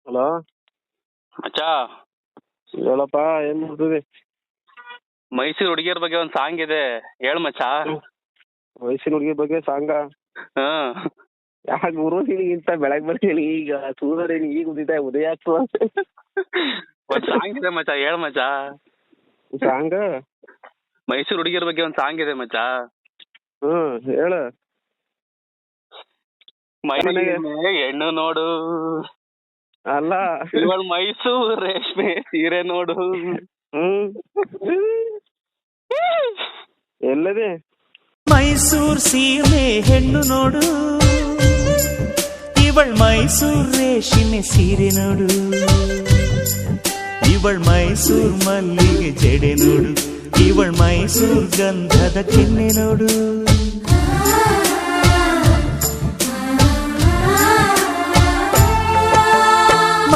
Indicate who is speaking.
Speaker 1: Hello
Speaker 2: ಮಚ್ಚ,
Speaker 1: ಹೇಳಪ್ಪ, ಏನ್ ಮಾಡ್ತಿದಿ?
Speaker 2: ಮೈಸೂರು ಹುಡುಗಿಯರ ಬಗ್ಗೆ ಒಂದು ಸಾಂಗ್ ಇದೆ, ಹೇಳು ಮಚ್ಚ.
Speaker 1: ವಯಸ್ಸಿನ ಹುಡುಗಿ ಬಗ್ಗೆ ಸಾಂಗ?
Speaker 2: ಹ್ಮ್.
Speaker 1: ಯಾಕೆ ಗುರು ನಿನಗಿಂತ ಬೆಳಗ್ಗೆ ಬರ್ತೀನಿ ಈಗ ಸೂರ್ಯ ಈಗ ಉದಯ ಆಗ್ತದ.
Speaker 2: ಒಂದು ಸಾಂಗ್ ಇದೆ ಮಚ್ಚ, ಹೇಳು ಮಚ್ಚ.
Speaker 1: ಸಾಂಗ್?
Speaker 2: ಮೈಸೂರು ಹುಡುಗಿಯರ ಬಗ್ಗೆ ಒಂದು ಸಾಂಗ್ ಇದೆ ಮಚ್ಚ.
Speaker 1: ಹೇಳ.
Speaker 2: ಹೆಣ್ಣು ನೋಡು,
Speaker 1: ಅಲ್ಲ
Speaker 2: ಇವಳು ಮೈಸೂರು ರೇಷ್ಮೆ ಸೀರೆ ನೋಡು.
Speaker 1: ಎಲ್ಲದೆ
Speaker 3: ಮೈಸೂರ್ ಸೀಮೆ ಹೆಣ್ಣು ನೋಡು, ಇವಳ್ ಮೈಸೂರ್ ರೇಷ್ಮೆ ಸೀರೆ ನೋಡು, ಇವಳ್ ಮೈಸೂರ್ ಮಲ್ಲಿಗೆ ಜಡೆ ನೋಡು, ಇವಳ್ ಮೈಸೂರ್ ಗಂಧದ ಕೆನ್ನೆ ನೋಡು.